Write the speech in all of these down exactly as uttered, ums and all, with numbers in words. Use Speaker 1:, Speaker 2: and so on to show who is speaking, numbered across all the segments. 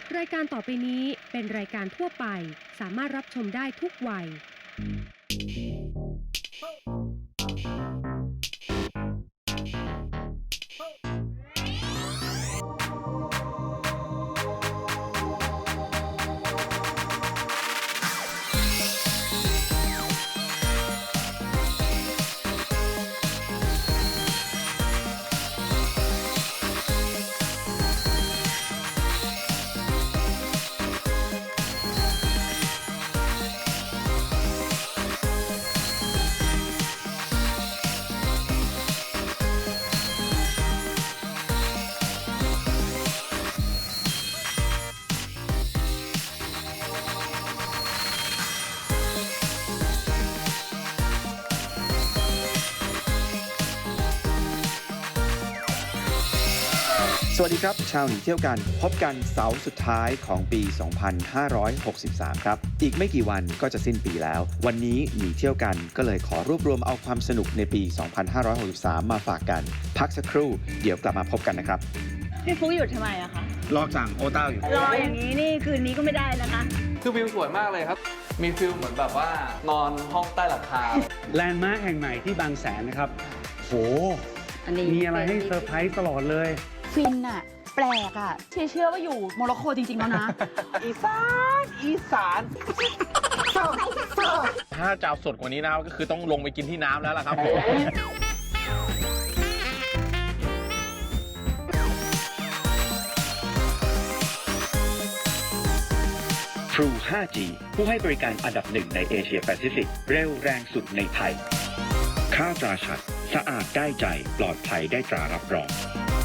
Speaker 1: รายการต่อไปนี้เป็นรายการทั่วไปสามารถรับชมได้ทุกวัย
Speaker 2: สวัสดีครับชาวหนีเที่ยวกันพบกันเสาร์สุดท้ายของปี สองพันห้าร้อยหกสิบสาม ครับอีกไม่กี่วันก็จะสิ้นปีแล้ววันนี้หนีเที่ยวกันก็เลยขอรวบรวมเอาความสนุกในปี สองพันห้าร้อยหกสิบสาม มาฝากกันพักสักครู่เดี๋ยวกลับมาพบกันนะครับ
Speaker 3: พี่ฟุ๊กหยุดทำไมอะคะ
Speaker 2: รอสั่งโอต้าอยู่
Speaker 3: รออย่างนี้นี่คืนนี้ก็ไม่ได้นะคะ
Speaker 4: คือวิวสวยมากเลยครับมีฟิลเหมือนแบบว่านอนห้องใต้หลังคา
Speaker 5: แลนด์มาร์คแห่งใหม่ที่บางแสนนะครับโหมีอะไรให้เซอร์ไพรส์ตลอดเลย
Speaker 3: ฟินอะแปลกอะเชื่อเชื่อว่าอยู่โมร็อกโกจริงๆแล้วนะ
Speaker 4: อีสานอีสานถ้าจะเอาสดกว่านี้นะครับก็คือต้องลงไปกินที่น้ำแล้วล่ะครับผม
Speaker 6: True ไฟว์จี ผู้ให้บริการอันดับหนึ่งในเอเชียแปซิฟิกเร็วแรงสุดในไทยค่าตราชัดสะอาดได้ใจปลอดภัยได้ตรารับรอง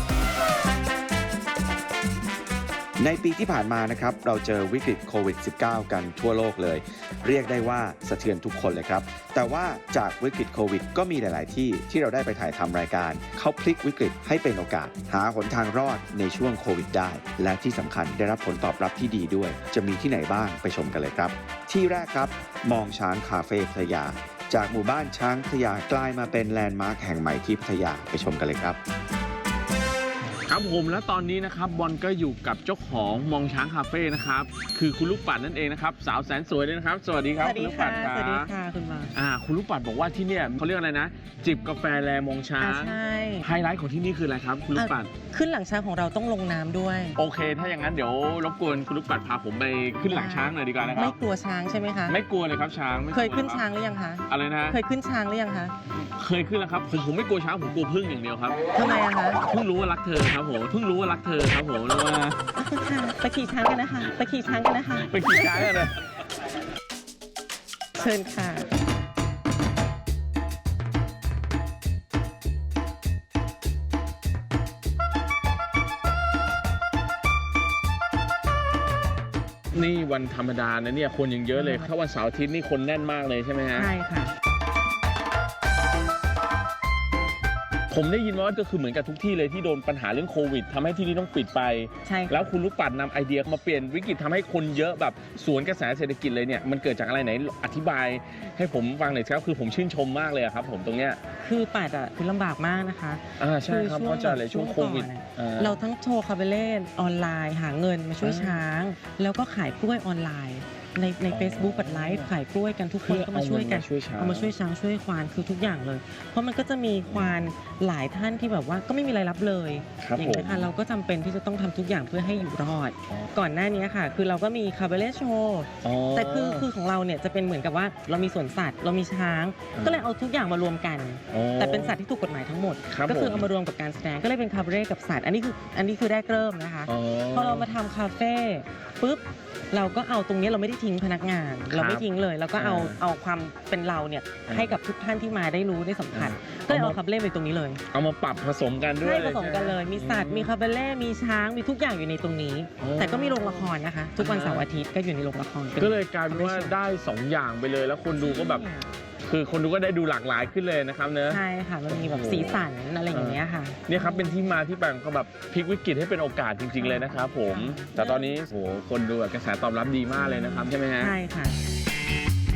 Speaker 2: ในปีที่ผ่านมานะครับเราเจอวิกฤตโควิด สิบเก้า กันทั่วโลกเลยเรียกได้ว่าสะเทือนทุกคนเลยครับแต่ว่าจากวิกฤตโควิดก็มีหลาย ๆ ที่ที่เราได้ไปถ่ายทำรายการเขาพลิกวิกฤตให้เป็นโอกาสหาหนทางรอดในช่วงโควิดได้และที่สำคัญได้รับผลตอบรับที่ดีด้วยจะมีที่ไหนบ้างไปชมกันเลยครับที่แรกครับมองช้างคาเฟ่พัทยาจากหมู่บ้านช้างพัทยากลายมาเป็นแลนด์มาร์คแห่งใหม่ที่พัทยาไปชมกันเลยครับ
Speaker 4: ครับผมและตอนนี้นะครับบอลก็อยู่กับเจ้าของมองช้างคาเฟ่นะครับคือคุณลูกปัดนั่นเองนะครับสาวแสนสวยเลยนะครับสวัสดีครับคุณลูกปัดครับ
Speaker 7: สวัสดีค่ะคุณมา
Speaker 4: อ่าคุณลูกปัดบอกว่าที่เนี่ยเขาเรียกอะไรนะจิบกาแฟแลมองช้าง
Speaker 7: ใช่
Speaker 4: ไฮไลท์ของที่นี่คืออะไรครับคุณลูกปัด
Speaker 7: ขึ้นหลังช้างของเราต้องลงน้ำด้วย
Speaker 4: โอเคถ้าอย่างนั้นเดี๋ยวรบกวนคุณลูกปัดพาผมไปขึ้นหลังช้างหน่อยดีกว่านะครับ
Speaker 7: ไม่กลัวช้างใช่ไหมคะ
Speaker 4: ไม่กลัวเลยครับช้าง
Speaker 7: เคยขึ้นช้างหรือยังคะ
Speaker 4: อะไรนะ
Speaker 7: เคยขึ้นช้างหรือยังคะ
Speaker 4: เคยขึ้นแล้วครับผมผมไม่กลัวช้างผมกลัวผึ้งอย่างเดียวครับ
Speaker 7: ทำไมอะคะ
Speaker 4: เพิ่งรู้ว่ารักเธอครับผมเพิ่งรู้ว่ารักเธอครับผมแล้วว่า
Speaker 7: ไปขี่ช้างกันนะคะไปขี่ช้างกันนะคะ
Speaker 4: ไปขี่ช้างกันเลย
Speaker 7: เชิญค่ะ
Speaker 4: นี่วันธรรมดานะเนี่ยคนยังเยอะเลยถ้าวันเสาร์อาทิตย์นี่คนแน่นมากเลยใช่ไหมฮะ
Speaker 7: ใช่ค่ะ
Speaker 4: ผมได้ยินว่าก็คือเหมือนกับทุกที่เลยที่โดนปัญหาเรื่องโควิดทำให้ที่นี่ต้องปิดไป
Speaker 7: ใช่
Speaker 4: แล้วคุณลูกปัดนำไอเดียมาเปลี่ยนวิกฤตทำให้คนเยอะแบบสวนกระแสเศรษฐกิจเลยเนี่ยมันเกิดจากอะไรไหนอธิบายให้ผมฟังหน่อยครับคือผมชื่นชมมากเลยครับผมตรงเนี้ย
Speaker 7: คือปัดอ่ะคือลำบากมากนะคะ
Speaker 4: อ่าใช่ครับเพราะจะเลยช่วงโควิด
Speaker 7: เราทั้งโชว์คาเบเล่ออนไลน์หาเงินมาช่วยช้างแล้วก็ขายกล้วยออนไลน์ในใน Facebook ปัดไลฟ์ขายกล้วยกันทุกคนก็มาช่วยกันเอามาช่วยช้างช่วยควานคือทุกอย่างเลยเพราะมันก็จะมีควานหลายท่านที่แบบว่าก็ไม่มีรายรับเลยอย่างนี้ค่ะเราก็จำเป็นที่จะต้องทำทุกอย่างเพื่อให้อยู่รอดก่อนหน้านี้ค่ะคือเราก็มีคาเบเล่โชว์แต่คือคือของเราเนี่ยจะเป็นเหมือนกับว่าเรามีสวนสัตว์เรามีช้างก็เลยเอาทุกอย่างมารวมกันแต่เป็นสัตว์ที่ถูกกฎหมายทั้งหมดก็คือเอามารวมกับการแสดงก็เลยเป็นคาเบเล่กับสัตว์อันนี้คืออันนี้คือแรกเริ่มนะคะพอเรามาทำคาเฟ่ปุ๊บเราก็เอาตรงนี้เราไม่ได้ทิ้งพนักงานเราไม่ทิ้งเลยเราก็เอาเอาความเป็นเราเนี่ยให้กับทุกท่านที่มาได้รู้ได้สัมผัสก็เลยเอาคาเบเล่ไปตรงนี้เลย
Speaker 4: เอามาปรับผสมกันด้วย
Speaker 7: ใช่ผสมกันเลยมีสัตว์มีคาเบเล่มีช้างมีทุกอย่างอยู่ในตรงนี้แต่ก็มีโรงละครนะคะทุกวันเสาร์อาทิตย์ก็อยู่ในโรงละคร
Speaker 4: ก็เลยกลายเป็นว่าได้สองอย่างไปเลยแล้วคนดูก็แบบคือคนดูก็ได้ดูหลากหลายขึ้นเลยนะครับเนอะ
Speaker 7: ใช่ค่ะมันมีแบบสีสันอะไรอย่างเงี้ยค่ะ
Speaker 4: เนี่ยครับเป็นที่มาที่ไปของแบบพลิกวิกฤตให้เป็นโอกาสจริงๆเลยนะครับผมแต่ตอนนี้โหคนดูกระแสตอบรับดีมากเลยนะครับใช่ไหมฮะ
Speaker 7: ใช่ค่ะ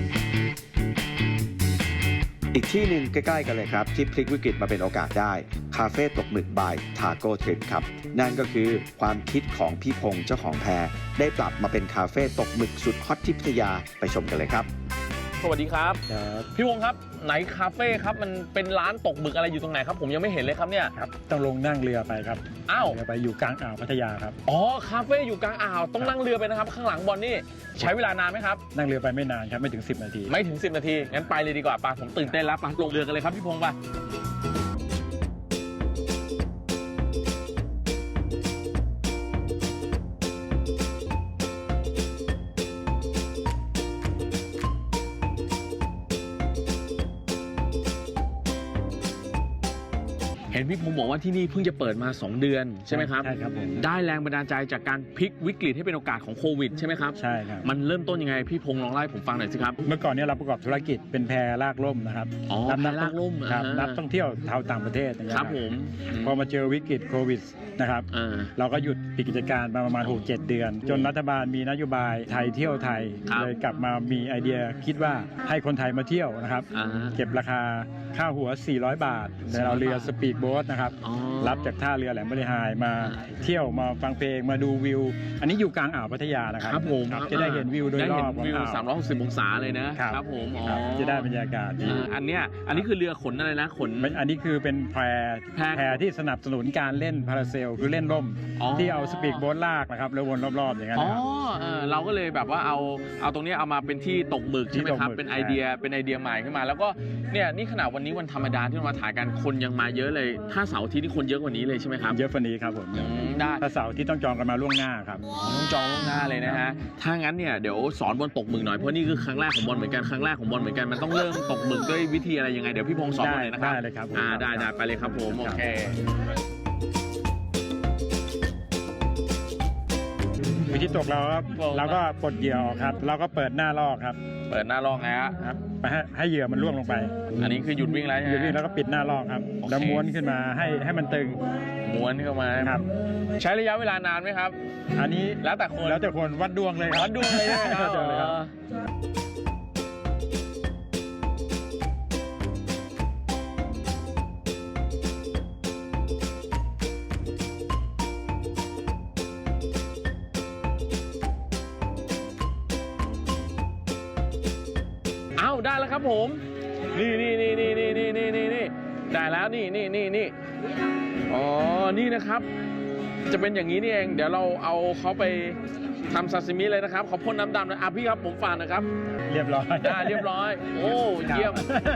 Speaker 2: อีกที่หนึ่งใกล้ๆกันเลยครับที่พลิกวิกฤตมาเป็นโอกาสได้คาเฟ่ตกหมึกบายทาโก้ทริปครับนั่นก็คือความคิดของพี่พงษ์เจ้าของแพรได้ปรับมาเป็นคาเฟ่ตกหมึกสุดฮอตที่พัทยาไปชมกันเลยครับ
Speaker 4: สวัสดีครับพี่วงครับไหนคาเฟ่ครับมันเป็นร้านตกหมึกอะไรอยู่ตรงไหนครับผมยังไม่เห็นเลยครับเนี่ย
Speaker 5: ครับต้องลงนั่งเรือไปครับ
Speaker 4: อ้าว
Speaker 5: เรือไปอยู่กลางอ่าวพัทยาครับ
Speaker 4: อ๋อคาเฟ่อยู่กลางอ่าวต้องนั่งเรือไปนะครับข้างหลังบอลนี่ใช้เวลานานไหมครับ
Speaker 5: นั่งเรือไปไม่นานครับไม่ถึงสิบนาที
Speaker 4: ไม่ถึงสิบนาทีงั้นไปเลยดีกว่าป่ะผมตื่นเต้นแล้วป่ะลงเรือกันเลยครับพี่พงษ์ป่ะเห็นพี่พงษ์บอกว่าที่นี่เพิ่งจะเปิดมาสองเดือนใช่ไหมครับ
Speaker 5: ใช่ครับผม
Speaker 4: ได้แรงบันดาลใจจากการพลิกวิกฤตให้เป็นโอกาสของโควิดใช่ไหมครับ
Speaker 5: ใช่ครับ
Speaker 4: มันเริ่มต้นยังไงพี่พงษ์ลองเล่าให้ผมฟังหน่อยสิครับ
Speaker 5: เมื่อก่อนนี้เราประกอบธุรกิจเป็นแพลากล่มนะครับ
Speaker 4: อ๋อแพลากล่ม
Speaker 5: ครับนักท่องเที่ยวชาวต่างประเทศ
Speaker 4: ครับผม
Speaker 5: พอมาเจอวิกฤตโควิดนะครับเราก็หยุดปิดกิจการมาประมาณ หกเจ็ด เดือนจนรัฐบาลมีนโยบายไทยเที่ยวไทยเลยกลับมามีไอเดียคิดว่าให้คนไทยมาเที่ยวนะครับเก็บราคาค่าหัวสี่ร้อยบาทในเราเรือสปีดโบ๊ทนะครับรับจากท่าเรือแหลมบริหายมาเที่ยวมาฟังเพลงมาดูวิวอันนี้อยู่กลางอ่าวพัทยานะครับ
Speaker 4: ครับผม
Speaker 5: จะได้เห็นวิวโดยรอบ
Speaker 4: วิวสามร้อยหกสิบองศาเลยนะครับผมอ๋อ
Speaker 5: จะได้บรรยากาศดี
Speaker 4: อันเนี้ยอันนี้คือเรือขนอะไรนะขน
Speaker 5: อันนี้คือเป็นแพแพที่สนับสนุนการเล่นพาราเซลคือเล่นร่มที่เอาสปีดโบ๊ทลากนะครับแล้ววนรอบๆอย่างนั้น
Speaker 4: อ๋อเราก็เลยแบบว่าเอาเอาตรงนี้เอามาเป็นที่ตกหมึกใช่ไหมครับเป็นไอเดียเป็นไอเดียใหม่ขึ้นมาแล้วก็เนี่ยนี่ขนาดวันนี้วันธรรมดาที่เรามาถ่ายกันคนยังมาเยอะเลยถ้าเสาร์อาทิตย์นี่คนเยอะกว่านี้เลยใช่ไหมครับ
Speaker 5: เยอะกว่านี้ครับผม
Speaker 4: ได้
Speaker 5: ถ้าเสาร์ที่ต้องจองกันมาล่วงหน้าครับ
Speaker 4: ต้องจองล่วงหน้าเลยนะฮะถ้างั้นเนี่ยเดี๋ยวสอนบอลตกหมึกหน่อยเพราะนี่คือครั้งแรกของบอลเหมือนกันครั้งแรกของบอลเหมือนกันมันต้องเริ่มตกหมึกด้วยวิธีอะไรยังไงเดี๋ยวพี่พงษ์สอนเลยนะครับ
Speaker 5: ได้เลยครับ
Speaker 4: อ่าได้ได้ไปเลยครับผมโอเค
Speaker 5: วิธีตกเราครับเราก็ปลดเหยื่อครับเราก็เปิดหน้าลอกครับ
Speaker 4: เปิดหน้าลอกนะ
Speaker 5: ครับไปให้ให้เหยื่อมันล่วงลงไป
Speaker 4: อันนี้คือหยุดวิ่งแล้ว
Speaker 5: หยุดวิ่งแล้วก็ปิดหน้าลอกครับแล้วม้วนขึ้นมาให้ให้มันตึง
Speaker 4: ม้วนเข้ามา
Speaker 5: ครับ
Speaker 4: ใช้ระยะเวลานานไหมครับ
Speaker 5: อันนี้
Speaker 4: แล้วแต่คน
Speaker 5: แล้วแต่คนวัดดวงเลย
Speaker 4: วัดดวงเลยนะครับได้แล้วครับผมนี่นี่นี่นี่นี่นี่นี่นี่นี่ได้แล้วนี่นี่นี่นี่อ๋อนี่นะครับจะเป็นอย่างนี้นี่เองเดี๋ยวเราเอาเขาไปทำซาซิมิเลยนะครับเขาพ่นน้ำดำนะอ่ะพี่ครับผมฝากนะครับ
Speaker 5: เรียบร้อย
Speaker 4: ได้เรียบร้อยโอ้เยี่ยม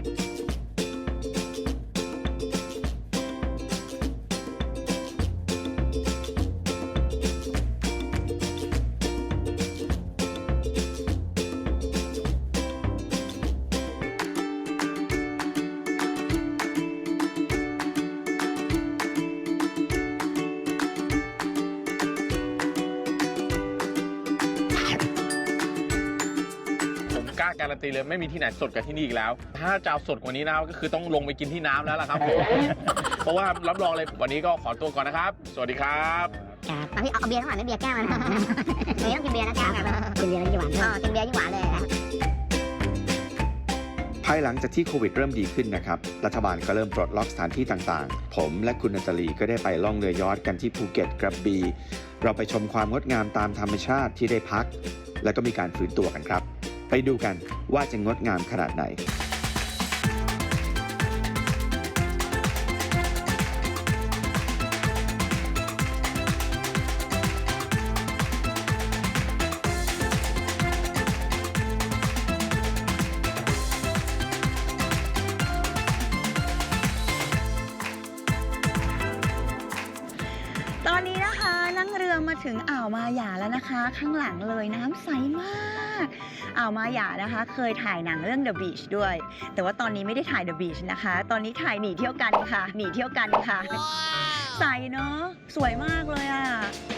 Speaker 4: การันตีเลยไม่มีที่ไหนสดกับที่นี่อีกแล้วถ้าจะเอาสดกว่านี้นะครับก็คือต้องลงไปกินที่น้ำแล้วล่ะครับเพราะว่ารับรองเลยวันนี้ก็ขอตัวก่อนนะครับสวัสดีครับ
Speaker 8: ครับพี่เอาเบียร์ทั้งหมดไม่เบียร์แก้วมันไม่ต้องกินเบียร์นะจ๊ะกินเบียร์ยิ่งหวานอ๋อกินเบียร์ยิ่งหวานเลย
Speaker 2: ภายหลังจากที่โควิดเริ่มดีขึ้นนะครับรัฐบาลก็เริ่มปลดล็อกสถานที่ต่างๆผมและคุณนันทลีก็ได้ไปล่องเรือยอชต์กันที่ภูเก็ตกระบี่เราไปชมความงดงามตามธรรมชาติที่ได้พักและก็มีการฟื้นตัวกันครับไปดูกันว่าจะงดงามขนาดไหน
Speaker 3: ตอนนี้นะคะนั่งเรือมาถึงอ่าวมาหยาแล้วนะคะข้างหลังเลยน้ำใสมากอ่าวมาหยานะคะเคยถ่ายหนังเรื่อง The Beach ด้วยแต่ว่าตอนนี้ไม่ได้ถ่าย The Beach นะคะตอนนี้ถ่ายหนีเที่ยวกันค่ะหนีเที่ยวกันค่ะใสเนาะสวยมากเลยอ่ะ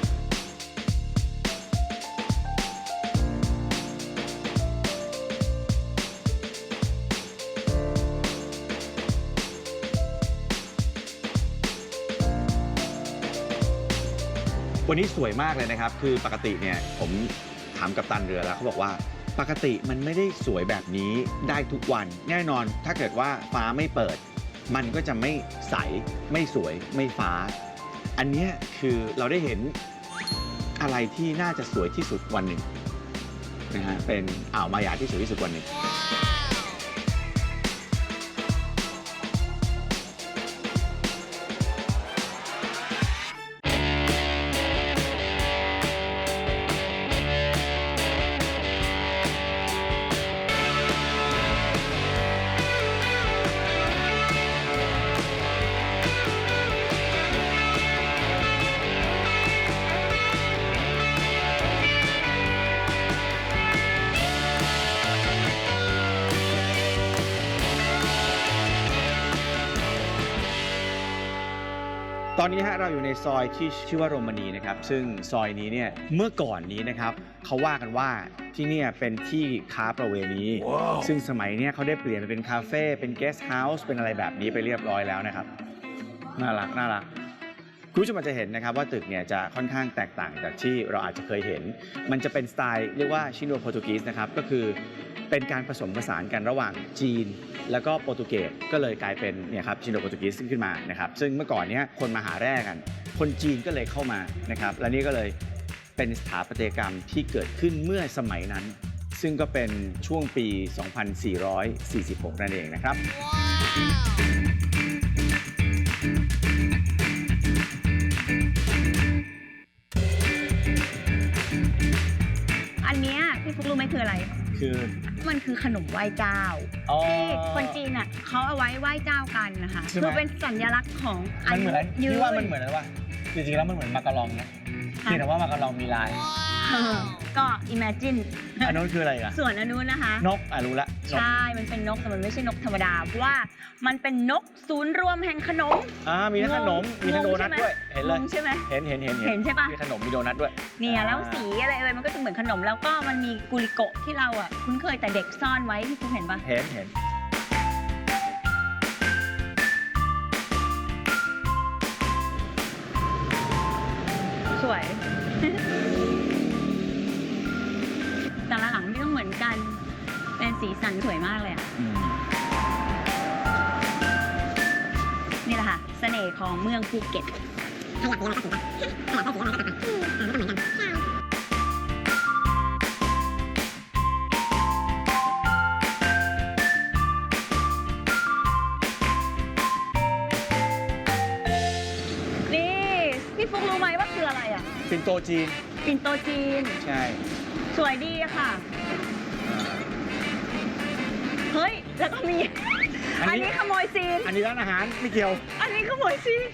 Speaker 2: วันนี้สวยมากเลยนะครับคือปกติเนี่ยผมถามกัปตันเรือแล้วเขาบอกว่าปกติมันไม่ได้สวยแบบนี้ได้ทุกวันแน่นอนถ้าเกิดว่าฟ้าไม่เปิดมันก็จะไม่ใสไม่สวยไม่ฟ้า อันเนี้ยคือเราได้เห็นอะไรที่น่าจะสวยที่สุดวันหนึ่งนะฮะเป็นอ่าวมายาที่สวยที่สุดวันหนึ่ง ตอนนี้ฮะเราอยู่ในซอยที่ชื่อว่าโรมานีนะครับซึ่งซอยนี้เนี่ยเมื่อก่อนนี้นะครับเขาว่ากันว่าที่นี่เป็นที่ค้าประเวณี wow. ซึ่งสมัยนี้เขาได้เปลี่ยนไปเป็นคาเฟ่เป็นเกสต์เฮาส์เป็นอะไรแบบนี้ไปเรียบร้อยแล้วนะครับน่ารักน่ารักคุณผู้ชมอาจจะเห็นนะครับว่าตึกเนี่ยจะค่อนข้างแตกต่างจากที่เราอาจจะเคยเห็นมันจะเป็นสไตล์เรียกว่าชิโนโปรตุกีสนะครับก็คือเป็นการผสมผสานกันระหว่างจีนแล้วก็โปรตุเกสก็เลยกลายเป็นเนี่ยครับชิโนโปรตุกีสขึ้นมานะครับซึ่งเมื่อก่อนเนี้ยคนมาหาแร่กันคนจีนก็เลยเข้ามานะครับและนี่ก็เลยเป็นสถาปัตยกรรมที่เกิดขึ้นเมื่อสมัยนั้นซึ่งก็เป็นช่วงปี สองพันสี่ร้อยสี่สิบหก นั่นเองนะครับ
Speaker 3: อันเนี้ยพี่ฟุกรู้ไหมคืออะไร
Speaker 2: คือ
Speaker 3: มันคือขนมไหว้เจ้าที่คนจีนอ่ะเขาเอาไว้ไหว้เจ้ากันนะคะคือเป็นสัญลักษณ์ของ
Speaker 2: มันเหมือนพี่ว่ามันเหมือนอะไรวะจริงๆแล้วมันเหมือนมาการองนะเพียงแต่ว่ามาการองมีลาย
Speaker 3: ก็ imagine
Speaker 2: อันนู้นคืออะไรอ่ะ
Speaker 3: ส่วนอันนู้นนะคะ
Speaker 2: นกอ่ะรู้ละ
Speaker 3: ใช่มันเป็นนกแต่มันไม่ใช่นกธรรมดาเพราะว่ามันเป็นนกศูนย์รวมแห่งขนม
Speaker 2: อ่ามีทั้งขนมมีทั้งโดนัทด้วยเห็นเลย
Speaker 3: ใช่ไหม
Speaker 2: เห็นเห็นเห็น
Speaker 3: เห็นใช่ปะ
Speaker 2: มีขนมมีโดนัทด้วย
Speaker 3: เนี่ยแล้วสีอะไรเอ่ยมันก็จะเหมือนขนมแล้วก็มันมีกุลิโกะที่เราอ่ะคุ้นเคยแต่เด็กซ่อนไว้ที่คุณเห็นปะ
Speaker 2: เห็นเห็น
Speaker 3: สวยแต่ละหลังไม่ต้องเหมือนกันเป็นสีสันสวยมากเลยอ่ะนี่แหละค่ะเสน่ห์ของเมืองภูเก็ตขยับเยอะนะขยับได้สีอะไรก็ตัดไปไม่ต้องเหมือนกันนี่พี่ฟุกรู้ไหมว่าคืออะไรอ่ะ
Speaker 2: ปิ่นโตจีน
Speaker 3: ปิ่นโตจีน
Speaker 2: ใช่
Speaker 3: สวยดีอะค่ะเฮ้ยแล้วก็มีอันนี้ขโมยซีน
Speaker 2: อันนี้ร้านอาหารไม่เกี่ยว
Speaker 3: อันนี้ขโมยซีน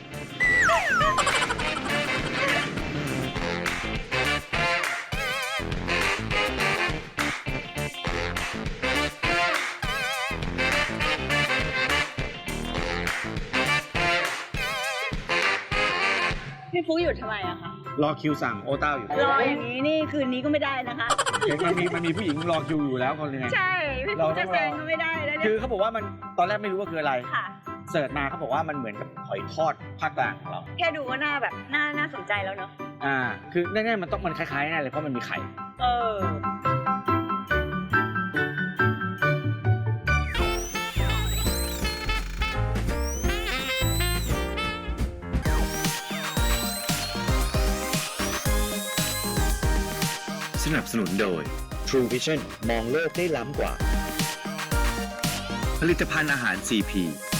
Speaker 3: พี่ฟุ๊กหยุดทำไมอะคะ
Speaker 2: รอคิวสั่งโอต้าอยู่
Speaker 3: รออย่างนี้นี่คืนนี้ก็ไม่ได้นะคะ
Speaker 2: มันมีมันมีผู้หญิงรอคิวอยู่แล้วคนนึง
Speaker 3: ใช่พี่ฟุ๊กจะแซงก็ไม่ได้แล้ว
Speaker 2: คือเขาบอกว่ามันตอนแรกไม่รู้ว่าคืออะไรเสิร์ชมาเขาบอกว่ามันเหมือนกับหอยทอดภาคกลางของเรา
Speaker 3: แค่ดูก็น่าแบบน่าน่าสนใจแล้วเนาะ
Speaker 2: อ่าคือแน่ๆมันต้องมันคล้ายๆแน่เลยเพราะมันมีไข่
Speaker 3: เออ
Speaker 6: สนับสนุนโดย True Vision มองโลกได้ล้ำกว่าผลิตภัณฑ์อาหาร ซี พี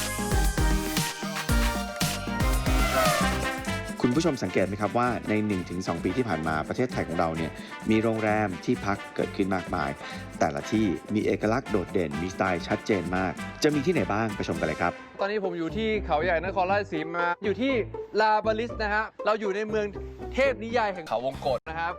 Speaker 2: คุณผู้ชมสังเกตไหมครับว่าใน หนึ่งถึงสอง ปีที่ผ่านมาประเทศไทยของเราเนี่ยมีโรงแรมที่พักเกิดขึ้นมากมายแต่ละที่มีเอกลักษณ์โดดเด่นมีสไตล์ชัดเจนมากจะมีที่ไหนบ้างไปชมกันเลยครับ
Speaker 9: ตอนนี้ผมอยู่ที่เขาใหญ่นครราชสีมาอยู่ที่ลาบาลิสนะฮะเราอยู่ในเมืองเทพนิยายแห่งเขาวงกตนะครับ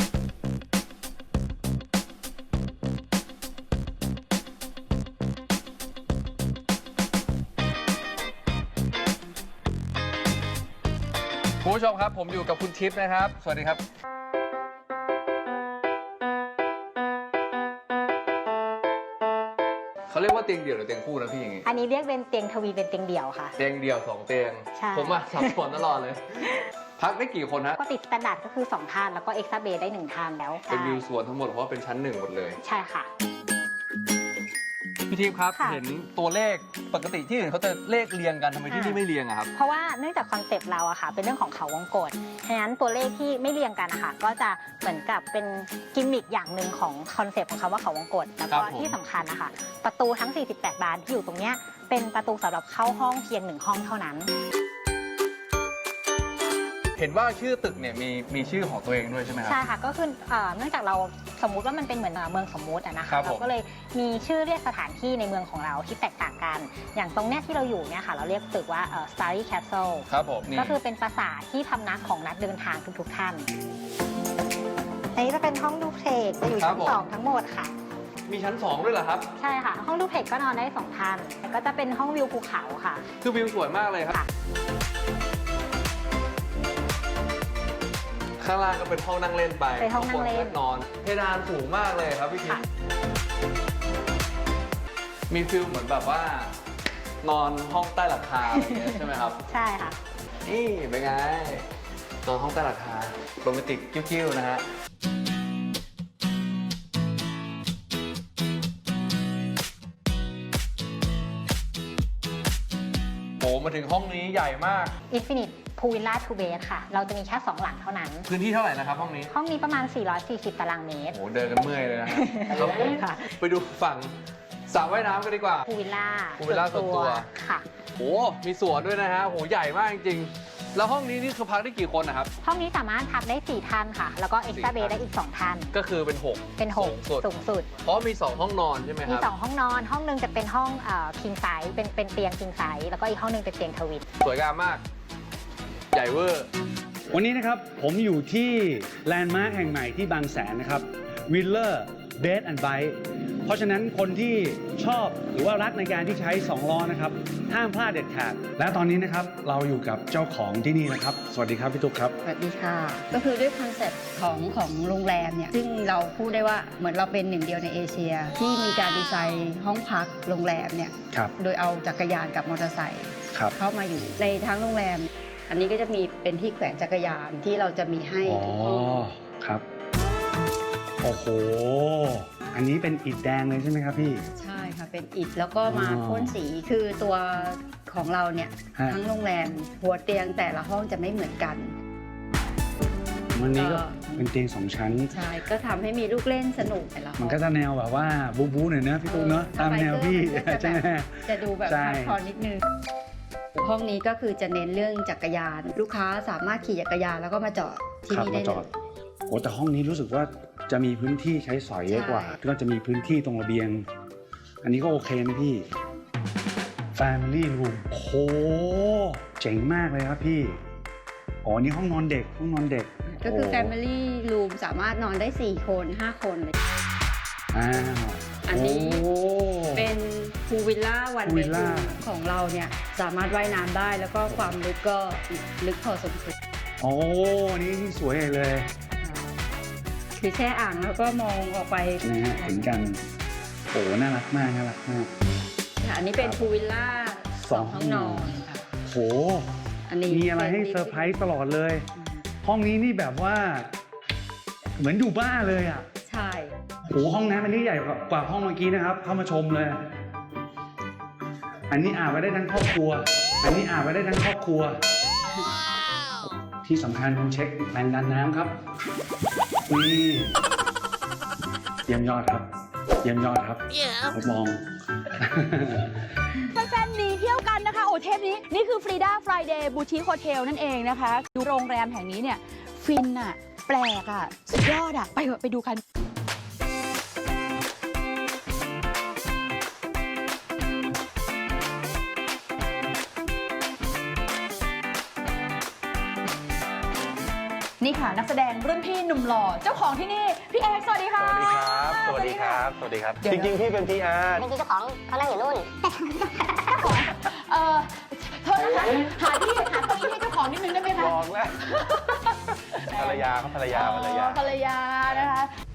Speaker 9: คุณผู้ชมครับผมอยู่กับคุณทิพย์นะครับสวัสดีครับเขาเรียกว่าเตียงเดี่ยวหรือเตียงคู่นะพี่อย่างงี้
Speaker 8: อันนี้เรียกเป็นเตียงทวีเป็นเตียงเดี่ยวค่ะ
Speaker 9: เตียงเดี่ยวสองเตียงผมมาสับสนตลอดเลยพักได้กี่คนฮะ
Speaker 8: ก็ติดสแตนดาร์ดก็คือสองท่านแล้วก็เอ็กซ์ตร้าเบดได้หนึ่งท่านแล้ว
Speaker 9: เป็นวิวสวนทั้งหมดเพราะว่าเป็นชั้นหนึ่งหมดเลย
Speaker 8: ใช่ค่ะ
Speaker 9: พี่ทิพย์ครับ
Speaker 3: ค่ะ
Speaker 9: เห็นตัวเลขปกติที่อื่นเขาจะเลขเรียงกันทำไมที่นี่ไม่เรียงอะครับ
Speaker 10: เพราะว่าเนื่องจากคอนเซปต์เราอะค่ะเป็นเรื่องของเขาวงกตฉะนั้นตัวเลขที่ไม่เรียงกันนะคะก็จะเหมือนกับเป็นกิมมิคอย่างหนึ่งของคอนเซปต์ของคำว่าเขาวงกตแล้วก็
Speaker 9: ครับผม
Speaker 10: ที่สำคัญนะคะประตูทั้ง สี่สิบแปด บานที่อยู่ตรงเนี้ยเป็นประตูสำหรับเข้าห้องเพียงหนึ่งห้องเท่านั้น
Speaker 9: เห็นว่าชื่อตึกเนี่ยมีมีชื่อของตัวเองด้วยใช่ไหมครับ
Speaker 10: ใช่ค่ะก็คือเอ่อเนื่องจากเราสมมุติว่ามันเป็นเหมือนเอ่อเมืองสมมุติอะนะ
Speaker 9: ครั
Speaker 10: คะ
Speaker 9: บผม
Speaker 10: เราก็เลยมีชื่อเรียกสถานที่ในเมืองของเราที่แตกต่างกัน อย่างตรงเนี้ยที่เราอยู่เนี่ยค่ะเราเรียกตึกว่าเอ่อ Starry Castle
Speaker 9: ครับผมนี่
Speaker 10: ก็คือเป็นปราสาทที่พำนักของนักเดินทางทุกๆท่านอันนี้จะเป็นห้องดูเพลงจะอยู่ชั้นสองทั้งหมดค่ะ
Speaker 9: มีชั้นสองด้วยเหรอครับ
Speaker 10: ใช่ค่ะ ห้องดูเพลงก็นอนได้สองท่านแล้วก็จะเป็นห้องวิวภูเขาค่ะ
Speaker 9: คือวิวสวยมากเลยครับ
Speaker 10: ค่ะ
Speaker 9: ข้างล่างก็เป็นห้องนั่งเล่นไป
Speaker 10: เป็นห้องนั่งเล่น
Speaker 9: ข้าบก็นอนเพดานสูงมากเลยครับพี่ทิพ
Speaker 10: ค่ะ
Speaker 9: ย์มีฟิลเหมือนแบบว่านอนห้องใต้หลังคาอะไรอย่างเงี้ยใช่ไหมครับ
Speaker 10: ใช่ค่ะ
Speaker 9: นี่เป็นไงนอนห้องใต้หลังคาโรแมนติกกิ้วๆนะฮะโอ้มาถึงห้องนี้ใหญ่มาก
Speaker 10: Infinite Pool Villa Two Bed ค่ะ เราจะมีแค่สองหลังเท่านั้น
Speaker 9: พื้นที่เท่าไหร่นะครับห้องนี้
Speaker 10: ห้องนี้ประมาณ สี่ร้อยสี่สิบ ตารางเมตร
Speaker 9: โอ้เดินกันเมื่อยเลยนะครับครับผม
Speaker 10: ค่ะ
Speaker 9: ไปดูฝั่งสระว่ายน้ำกันดีกว่า
Speaker 10: พูลวิลล่า
Speaker 9: พูลวิลล่าส่วนตัว
Speaker 10: ค่ะ
Speaker 9: โอ้มีสวนด้วยนะฮะโหใหญ่มากจริงๆ แล้วห้องนี้นี่คือพักได้กี่คนนะครับ
Speaker 10: ห้องนี้สามารถพักได้สี่ท่านค่ะ แล้วก็เอ็กซ์ตร้าเบดได้อีกสองท่าน
Speaker 9: ก็คือเป็นหก
Speaker 10: เป็นหก
Speaker 9: สูงสุด
Speaker 10: สูงสุด
Speaker 9: เพราะมีสองห้องนอนใช่ไหมค
Speaker 10: มี
Speaker 9: รับ
Speaker 10: สองห้องนอน ห้องหนึงจะเป็นห้องคิงไซส์เป็นเป็นเตียงคิงไซส์แล้วก็อีกห้องหนึงเป็นเตียงทวิน
Speaker 9: สวยงามมาก ใหญ่เวอร์
Speaker 11: วันนี้นะครับผมอยู่ที่แลนด์มาร์คแห่งใหม่ที่บางแสนนะครับวิลเลอร์เบดแอนด์ไบค์เพราะฉะนั้นคนที่ชอบหรือว่ารักในการที่ใช้สองล้อนะครับห้ามพลาดเด็ดขาดและตอนนี้นะครับเราอยู่กับเจ้าของที่นี่นะครับสวัสดีครับพี่ตุ๊กครับ
Speaker 12: สวัสดีค่ะ ก็คือด้วยคอนเซ็ปต์ของของโรงแรมเนี่ยซึ่งเราพูดได้ว่าเหมือนเราเป็นหนึ่งเดียวในเอเชีย ที่มีการดีไซน์ห้องพักโรงแรมเนี่ย
Speaker 11: ครับ
Speaker 12: โดยเอาจักรยานกับมอเตอร์ไซค์
Speaker 11: ครับ
Speaker 12: เข้ามาอยู่ในทั้งโรงแรม อันนี้ก็จะมีเป็นที่แขวนจักรยานที่เราจะมีให้
Speaker 11: อ๋อ
Speaker 12: ทุกห้อง
Speaker 11: ครับโอ้โหอันนี้เป็นอิฐแดงเลยใช่ไหมครับพี่
Speaker 12: ใช่ค่ะเป็นอิฐแล้วก็มา
Speaker 11: อ๋อ
Speaker 12: พ่นสีคือตัวของเราเนี่ย
Speaker 11: ฮะ
Speaker 12: ทั้งโรงแรมหัวเตียงแต่ละห้องจะไม่เหมือนกัน
Speaker 11: วันนี้ก็
Speaker 12: ก็
Speaker 11: เป็นเตียงสองชั้น
Speaker 12: ใช่ก็ทำให้มีลูกเล่นสนุกแต่ละห้อง
Speaker 11: มันก็จะแนวแบบว่าบู๊บู๊หน่อยนะพี่ตุ๊กเนอะตามแนวพี่
Speaker 12: มันก็จะ
Speaker 11: ใช่ไหม
Speaker 12: แบบจะดูแบบ
Speaker 11: ใช่
Speaker 12: ฮาร์ดคอร์นิดนึง ห้องนี้ก็คือจะเน้นเรื่องจักรยาน ลูกค้าสามารถขี่จักรยานแล้วก็มาจอดที่
Speaker 11: ครับ
Speaker 12: นี่
Speaker 11: มา
Speaker 12: ได้
Speaker 11: จ
Speaker 12: เล
Speaker 11: อด
Speaker 12: ย
Speaker 11: โอ้แต่ห้องนี้รู้สึกว่าจะมีพื้นที่ใช้สอยเยอะกว่า
Speaker 12: ใช่
Speaker 11: ก็จะมีพื้นที่ตรงระเบียง อันนี้ก็โอเคนะพี่ Family Room โอ้โหเจ๋งมากเลยครับพี่อ๋อนี่ห้องนอนเด็กห้องนอนเด็ก
Speaker 12: ก็คือ
Speaker 11: โ
Speaker 12: Family Room สามารถนอนได้สี่คนห้าคนเลย
Speaker 11: อ้าว
Speaker 12: อันนี้
Speaker 11: โอ้
Speaker 12: เป็นพูวิลล่าวัน
Speaker 11: Pool
Speaker 12: เบ
Speaker 11: Villa
Speaker 12: ดของเราเนี่ยสามารถว่ายน้ำได้แล้วก็ความลึกก็ลึกพอสมควร
Speaker 11: โอ้นี่นี่สวยเลย
Speaker 12: คือแช่อ่างแล้วก็มองออกไป
Speaker 11: นะฮะเห็นกันโอ้น่ารักมากน่ารักมาก
Speaker 12: ค่ะอันนี้เป็นพูวิลล่า
Speaker 11: สองห้องนอน
Speaker 12: ค่ะ
Speaker 11: โห
Speaker 12: อันนี้
Speaker 11: มีอะไรให้เซอร์ไพรส์ตลอดเลย ห้องนี้นี่แบบว่า เหมือนอยู่บ้านเลยอ่ะ
Speaker 12: ใช่
Speaker 11: โอ้ห้องน้ำอันนี้ใหญ่กว่าห้องเมื่อกี้นะครับ เข้ามาชมเลย อันนี้อาบไว้ได้ทั้งครอบครัว อันนี้อาบไว้ได้ทั้งครอบครัว ที่สำคัญต้องเช็คแรงดันน้ำครับนี่เยี่ยมยอดครับ เยี่ยมยอดครับทดลอง
Speaker 13: แฟนๆหนีเที่ยวกันนะคะโอ้เทปนี้นี่คือ Frida Friday Boutique Hotel นั่นเองนะคะดูโรงแรมแห่งนี้เนี่ยฟินอะแปลกอะสุดยอดอะไปเถอะไปดูกัน นี่ค่ะนักแสดงรุ่นพี่หนุ่มหล่อเจ้าของที่นี่ พี่เอกสวัสดีค่ะ
Speaker 14: สวัสดีครับ สวัสดีครับ
Speaker 13: เดี๋ยว
Speaker 14: จริงๆ พี่เป็น พี อาร์
Speaker 8: จริงๆเจ้าของเขานั่งอยู่นู่น
Speaker 13: เออโทษนะคะหาที่หาเก้าอี้ให้เจ้าของนิดนึงได้ไหมคะ
Speaker 14: ลองแล้วภรรยาครับภรรยาภรรยา
Speaker 13: อ๋อภรรยานะคะ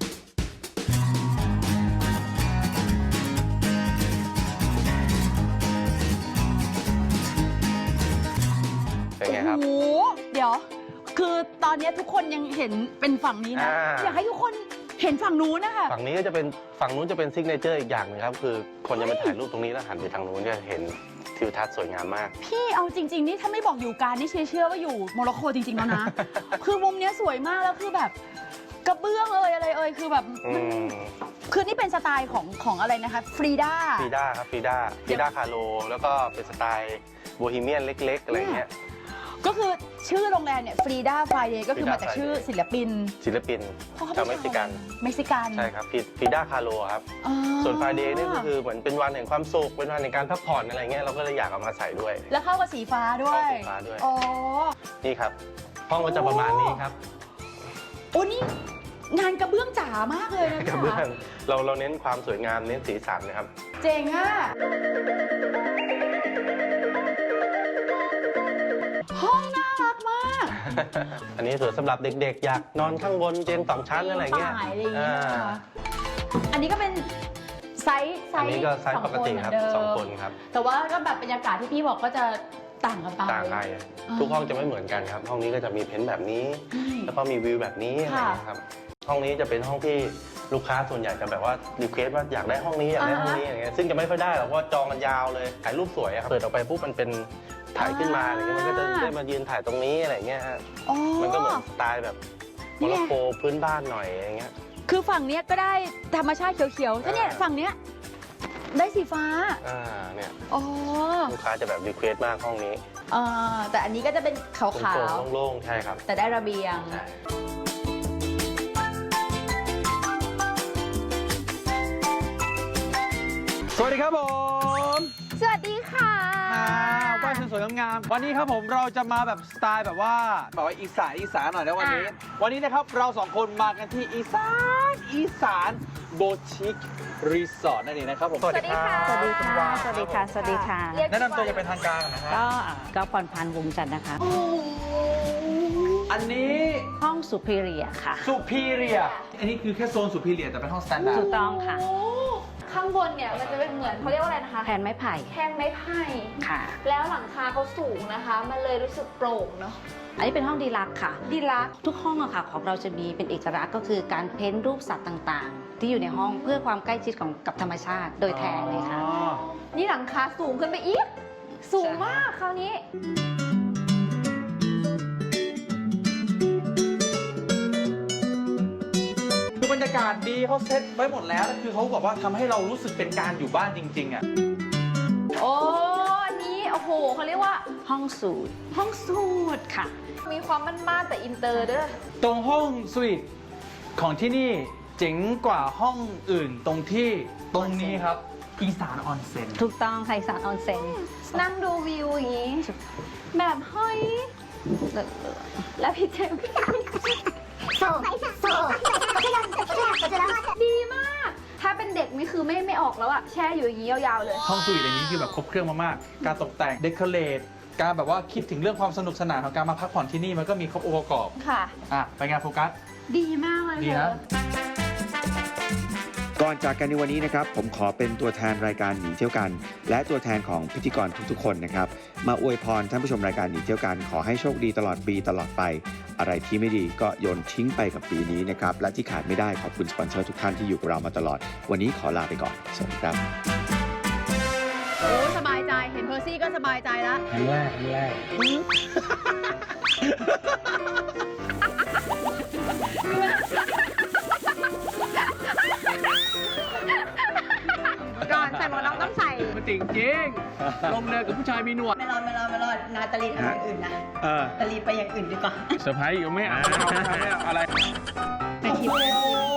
Speaker 14: เป็นไงครับ
Speaker 13: โอ้โห เดี๋ยว คือตอนนี้ทุกคนยังเห็นเป็นฝั่งนี้นะ
Speaker 14: อ่า
Speaker 13: อยากให้ทุกคนเห็นฝั่งนู้นนะคะ
Speaker 14: ฝั่งนี้ก็จะเป็นฝั่งนู้นจะเป็นซิกเนเจอร์อีกอย่างหนึงครับคือคนจะมาถ่ายรูปตรงนี้แล้วหันไปทางนู้นจะเห็นทิวทัศน์สวยงามมาก
Speaker 13: พี่เอาจริงๆนี่ถ้าไม่บอกอยู่การนี่เชื่อเชื่อว่าอยู่โมร็อกโกจริงๆแล้วนะ คือมุมเนี้ยสวยมากแล้วคือแบบกระเบื้องเอ่ยอะไรเอ่ยคือแบบมันคือนี่เป็นสไตล์ของของอะไรนะคะฟรีด้า
Speaker 14: ฟรีด้าครับฟรีด้าฟรีด้าคาโลแล้วก็เป็นสไตล์โบฮีเมียนเล็กๆอะไรเงี้ย
Speaker 13: ก็คือชื่อโรงแรมเนี่ยฟรีด้าไฟเดย์ก็คือมาจากชื่อศิลปิน
Speaker 14: ศิลปินชาวเม็กซิกัน
Speaker 13: เม็กซิกัน
Speaker 14: ใช่ครับฟรีด้าคาโลครับส่วนไฟเดย์นี่ก็คือเหมือนเป็นวันแห่งความสุขเป็นวันแห่งการพักผ่อนอะไรเงี้ยเราก็เลยอยากเอามาใส่ด้วย
Speaker 13: แล้วเข้ากับสีฟ้าด้วย
Speaker 14: เข้าสีฟ้าด้วย
Speaker 13: อ๋อ
Speaker 14: นี่ครับห้องก็จะประมาณนี้ครับ
Speaker 13: โอ้นี่งานกระเบื้องจ๋ามากเลยนะ
Speaker 14: กระเบื้องเราเราเน้นความสวยงามเน้นสีสันนะครับ
Speaker 13: เจ๋งอ่ะห้องน่ารักมาก
Speaker 14: อันนี้สวยสำหรับเด็กๆ อยากนอนข้างบนเตียงสองชั้นอะไรเงี้ย
Speaker 13: ฝ่ายอะไรอย่างเงี้ยนะคะอันนี้ก็เป็นไซส์ไซ
Speaker 14: อัน
Speaker 13: ส์
Speaker 14: นี้ก็ไซส์ปกติครับสองคนครับ
Speaker 13: แต่ว่าก็แบบบรรยากาศที่พี่บอกก็จะต่างกันไป
Speaker 14: ต่างกันทุกห้องจะไม่เหมือนกันครับ ห้องนี้ก็จะมีเพ้นท์แบบนี้ แล้วก็มีวิวแบบนี้อะไรเงี้ยครับห้องนี้จะเป็นห้องที่ลูกค้าส่วนใหญ่จะแบบว่ารีเควสว่าอยากได้ห้องนี้อยากได้ห้องนี้อย่างเงี้ยซึ่งจะไม่ค่อยได้หรอกเพราะว่าจองกันยาวเลยถ่ายรูปสวยครับเปิดออกไปปุ๊บมันเป็นถ่ายขึ้นมาอะไรเงี้ยมันก็จะได้มายืนถ่ายตรงนี้อะไรเงี้ยฮะมันก็เหมือนสไตล์แบบโมร็อกโกพื้นบ้านหน่อยอย่างเงี้ย
Speaker 13: คือฝั่งเนี้ยก็ได้ธรรมชาติเขียวๆถ้าเนี่ยฝั่งเนี้ยได้สีฟ้า
Speaker 14: อ่าเนี่ย
Speaker 13: อ๋อ
Speaker 14: ลูกค้าจะแบบรีเควสมากห้องนี้
Speaker 13: อ่าแต่อันนี้ก็จะเป็นขาว
Speaker 14: โล่งๆใช่ครับ
Speaker 13: ๆแต่ได้ระเบียง
Speaker 9: สวัสดีครับผม
Speaker 13: สวัสดีค่ะ
Speaker 9: ว่ายสวยๆงามๆวันนี้ครับผมเราจะมาแบบสไตล์แบบว่าแบบว่าอีสานอีสานหน่อยนะวันนี้ วันนี้นะครับเราสองคนมากันที่อีสานอีสานโบชิครีสอร์ทนั่นเองนะครับผม
Speaker 15: สวัสดีค่ะ สวัสดีค่ะ สวัสดีค่ะ สวัสดีค่ะ
Speaker 9: แนะนำตัวจะเป็นทางการนะฮะ
Speaker 15: ก็ก็พรพันธ์วงจันทร์นะคะ
Speaker 9: อันนี้
Speaker 15: ห้องสุพิเรียค่ะ
Speaker 9: สุพีเรียอันนี้คือแค่โซนสุพีเรียแต่เป็นห้องสแตนดาร์ด
Speaker 15: ถูกต้องค่ะ
Speaker 13: ข้างบนเนี่ยมันจะเป็นเหมือนเขาเรียกว่าอะไรนะคะ
Speaker 15: แผนไม้ไผ่
Speaker 13: แท่นไม้ไผ่
Speaker 15: ค่ะ
Speaker 13: แล้วหลังคาเขาสูงนะคะ มันเลยรู้สึกโปร่งเนาะ
Speaker 15: อันนี้เป็นห้องดีลักซ์ค่ะ
Speaker 13: ดีลักซ์
Speaker 15: ทุกห้องอะค่ะของเราจะมีเป็นเอกลักษณ์ก็คือการเพ้นท์รูปสัตว์ต่างๆ ที่อยู่ในห้องเพื่อความใกล้ชิดของกับธรรมชาติโดยแท้เลยค่ะ
Speaker 13: นี่หลังคาสูงขึ้นไปอีก สูงมากคราวนี้
Speaker 9: คือบรรยากาศดีเขาเซ็ตไว้หมดแล้วคือเขาบอกว่าทำให้เรารู้สึกเป็นการอยู่บ้านจริงๆอ่ะ
Speaker 13: โอ้อันนี้โอ้โหเขาเรียกว่า
Speaker 15: ห้องสูตร
Speaker 13: ห้องสูตรค่ะ มีความมั่นๆแต่อินเตอร์ด้วย
Speaker 9: ตรงห้องสวีทของที่นี่เจ๋งกว่าห้องอื่นตรงที่ตรงนี้ครับอีสานออนเซ็น
Speaker 15: ถูกต้องค่ะอีสานออนเซ็น
Speaker 13: นั่งดูวิวอย่างนี้ แบบเฮ้ยแล้วพี่เจมส์โซ่โซ่ดีมาก ถ้าเป็นเด็กนี่คือไม่ไม่ออกแล้วอะแช่อยู่อย่างนี้ยาวๆเลย
Speaker 9: ห้องสวีทอย่างนี้คือแบบครบเครื่องมากๆการตกแต่งเดคอเรทการแบบว่าคิดถึงเรื่องความสนุกสนานของการมาพักผ่อนที่นี่มันก็มีครบองค์ประกอบ
Speaker 13: ค่ะ
Speaker 9: อ่ะไปงานโฟกัส
Speaker 13: ดีมากเลย
Speaker 9: ดีนะ
Speaker 2: ก่อนจากกันในวันนี้นะครับผมขอเป็นตัวแทนรายการหนีเที่ยวกัน และตัวแทนของพิธีกรทุกๆคนนะครับมาอวยพรท่านผู้ชมรายการหนีเที่ยวกันขอให้โชคดีตลอดปีตลอดไปอะไรที่ไม่ดีก็โยนทิ้งไปกับปีนี้นะครับและที่ขาดไม่ได้ขอบคุณสปอนเซอร์ทุกท่านที่อยู่กับเรามาตลอดวันนี้ขอลาไปก่อนสวัสดีครับ
Speaker 13: โอ้สบายใจเห็นเพอร์ซี่ก็สบายใจแล้ว
Speaker 5: ครั้งแรกครั้งแรก
Speaker 3: ก่อนใส่หมวกน็อกต้องใส่
Speaker 9: มันจริงจริงลงเรือกับผู้ชายมีหนวด
Speaker 3: ไม่รอดไม่รอดไม่รอดนาตาลีทำอย่างอื่นนะ
Speaker 9: เออ
Speaker 3: นาตาลีไปอย่างอื่นดีกว่า
Speaker 9: เซอร์ไพรส์อยู่ไม่เอาไม่เอาไม่เอาอะไร
Speaker 3: ไปทิป